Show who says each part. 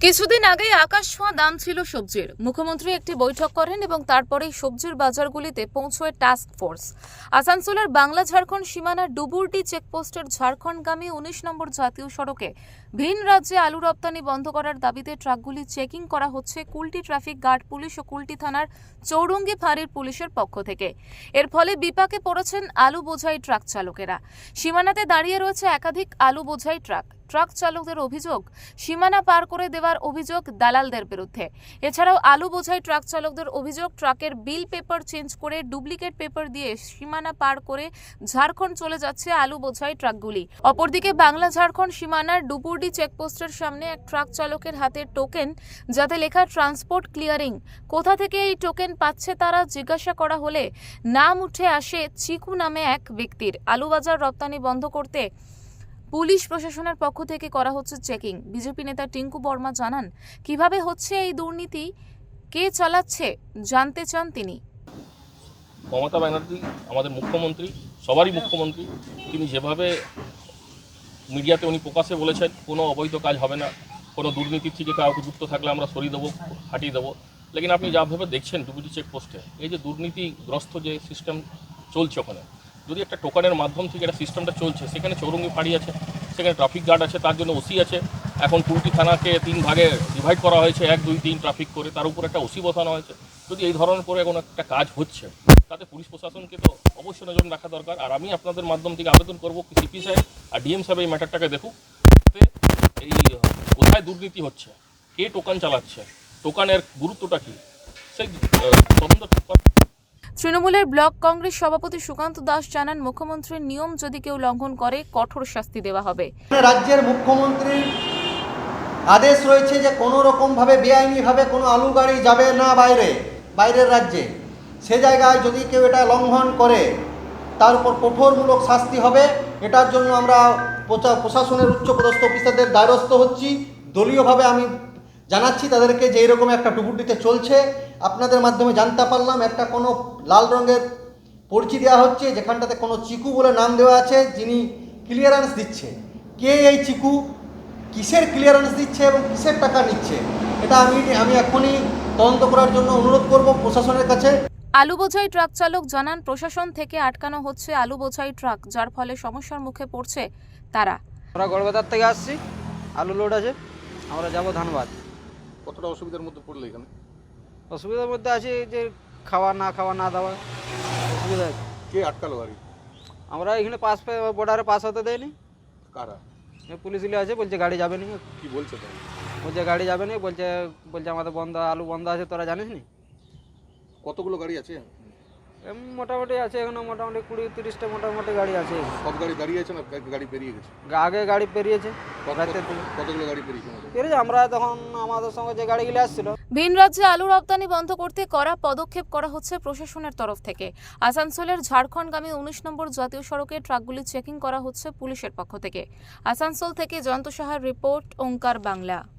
Speaker 1: কিছুদিন আগেই আকাশ ছোঁয়া দাম ছিল সবজির। মুখ্যমন্ত্রী একটি বৈঠক করেন এবং তারপরেই সবজির বাজারগুলিতে পৌঁছয় টাস্ক ফোর্স। আসানসোলের বাংলা ঝাড়খণ্ড সীমানার ডুবুরডি চেকপোস্টের ঝাড়খণ্ডগামী ১৯ নম্বর জাতীয় সড়কে ভিন রাজ্যে আলু রপ্তানি বন্ধ করার দাবিতে ট্রাকগুলি চেকিং করা হচ্ছে কুলটি ট্রাফিক গার্ড পুলিশ ও কুলটি থানার চৌরঙ্গি ফাঁড়ির পুলিশের পক্ষ থেকে। এর ফলে বিপাকে পড়েছেন আলু বোঝাই ট্রাক চালকেরা। সীমানাতে দাঁড়িয়ে রয়েছে একাধিক আলু বোঝাই ট্রাক। ট্রাক চালকদের অভিযোগ, সীমানা পার করে দেওয়ার অভিযোগ দালালদের বিরুদ্ধে। এছাড়াও আলু বোঝাই ট্রাক চালকদের অভিযোগ, ট্রাকের বিল পেপার চেঞ্জ করে ডুপ্লিকেট পেপার দিয়ে সীমানা পার করে ঝাড়খণ্ড চলে যাচ্ছে আলু বোঝাই ট্রাকগুলি। অপরদিকে বাংলা ঝাড়খণ্ড সীমানার ডুবুরডি চেকপোস্টের সামনে এক ট্রাক চালকের হাতে টোকেন, যাতে লেখা ট্রান্সপোর্ট ক্লিয়ারিং। কোথা থেকে এই টোকেন পাচ্ছে তারা জিজ্ঞাসা করা হলে নাম উঠে আসে চিকু নামে এক ব্যক্তির। আলু বাজার রপ্তানি বন্ধ করতে পুলিশ প্রশাসনের পক্ষ থেকে করা হচ্ছে চেকিং। বিজেপি নেতা টিঙ্কু বর্মা জানান, কিভাবে হচ্ছে এই দুর্নীতি, কে চালাচ্ছে জানতে চান তিনি।
Speaker 2: মমতা ব্যানার্জি আমাদের মুখ্যমন্ত্রী, সবারই মুখ্যমন্ত্রী। তিনি যেভাবে মিডিয়াতে উনি প্রকাশ্যে বলেছেন কোনো অবৈধ কাজ হবে না, কোনো দুর্নীতির থেকে কাউকে যুক্ত থাকলে আমরা সরিয়ে দেবো, হাঁটিয়ে দেবো। লেকিন আপনি যাভাবে দেখছেন ডুবুরি চেকপোস্টে এই যে দুর্নীতিগ্রস্ত যে সিস্টেম চলছে, ওখানে যদি একটা টোকানের মাধ্যম থেকে একটা সিস্টেমটা চলছে, সেখানে চৌরঙ্গি ফাঁড়ি আছে, সেখানে ট্রাফিক গার্ড আছে, তার জন্য ওসি আছে। এখন কুলটি থানাকে ৩ ভাগে ডিভাইড করা হয়েছে, ১, ২, ৩ ট্রাফিক করে, তার উপর একটা ওসি বসানো হয়েছে। যদি এই ধরনের করে কোনো একটা কাজ হচ্ছে, তাতে পুলিশ প্রশাসনকে তো অবশ্যই নজর রাখা দরকার। আর আমি আপনাদের মাধ্যম থেকে আবেদন করবো সিপি সাহেব আর ডিএম সাহেব এই ম্যাটারটাকে দেখুক, যাতে এই কোথায় দুর্নীতি হচ্ছে, কে টোকান চালাচ্ছে, টোকানের গুরুত্বটা কী, সেই তদন্ত।
Speaker 1: তৃণমূলের ব্লক কংগ্রেস সভাপতি সুকান্ত দাস জানান, মুখ্যমন্ত্রীর নিয়ম যদি কেউ লঙ্ঘন করে কঠোর শাস্তি দেওয়া হবে।
Speaker 3: রাজ্যের মুখ্যমন্ত্রীর আদেশ রয়েছে যে কোনো রকমভাবে বেআইনিভাবে কোনো আলু গাড়ি যাবে না বাইরের রাজ্যে। সে জায়গায় যদি কেউ এটা লঙ্ঘন করে তার উপর কঠোরমূলক শাস্তি হবে। এটার জন্য আমরা প্রশাসনের উচ্চপদস্থ অফিসারদের দ্বারস্থ হচ্ছি। দলীয়ভাবে আমি জানাচ্ছি তাদেরকে যে এরকম একটা ডুবুরিতে চলছে। আপনাদের মাধ্যমে জানতে পারলাম একটা কোনো লাল রঙের পরিচয় দেওয়া হচ্ছে, যেখানটাতে কোনো চিকু বলে নাম দেওয়া আছে, যিনি ক্লিয়ারেন্স দিচ্ছে। কে এই চিকু, কিসের ক্লিয়ারেন্স দিচ্ছে এবং কিসের টাকা নিচ্ছে, এটা আমি এখনই তদন্ত করার জন্য অনুরোধ করব প্রশাসনের কাছে।
Speaker 1: আলু বোঝাই ট্রাক চালক জানান, প্রশাসন থেকে আটকানো হচ্ছে আলু বোঝাই ট্রাক, যার ফলে সমস্যার মুখে পড়ছে তারা।
Speaker 4: আমরা গড়বাজার থেকে আসছি, আলু লোড আছে, আমরা যাব ধানবাদ।
Speaker 2: কতটা অসুবিধার মধ্যে পড়লে এখানে?
Speaker 4: অসুবিধার মধ্যে আছি যে খাওয়া না দেওয়া অসুবিধা আছে।
Speaker 2: কে আটকালো গাড়ি?
Speaker 4: আমরা এখানে বর্ডারে পাস হতে দেয়নি।
Speaker 2: কারা?
Speaker 4: পুলিশ আছে, বলছে গাড়ি যাবে না।
Speaker 2: কি বলছে তো?
Speaker 4: বলছে গাড়ি যাবে না, বলছে আমাদের বন্ধ, আলু বন্ধ আছে, তোরা জানিস নি?
Speaker 2: কতগুলো গাড়ি আছে?
Speaker 4: মোটামুটি আছে এখনো, মোটামুটি 20-30টা মোটামুটি গাড়ি আছে।
Speaker 2: সব গাড়ি দাঁড়িয়ে আছে না গাড়ি পেরিয়ে গেছে?
Speaker 4: আগে গাড়ি পেরিয়েছে,
Speaker 2: কতগুলো গাড়ি পেরিয়েছে?
Speaker 4: আমরা তখন আমাদের সঙ্গে যে গাড়িগুলো আসছিল।
Speaker 1: ভিন রাজ্যে আলু রপ্তানি বন্ধ করতে কড়া পদক্ষেপ করা হচ্ছে প্রশাসনের তরফ থেকে। আসানসোলের ঝাড়খণ্ডগামী ১৯ নম্বর জাতীয় সড়কে ট্রাকগুলি চেকিং করা হচ্ছে পুলিশের পক্ষ থেকে। আসানসোল থেকে জয়ন্ত সাহার রিপোর্ট, ওঙ্কার বাংলা।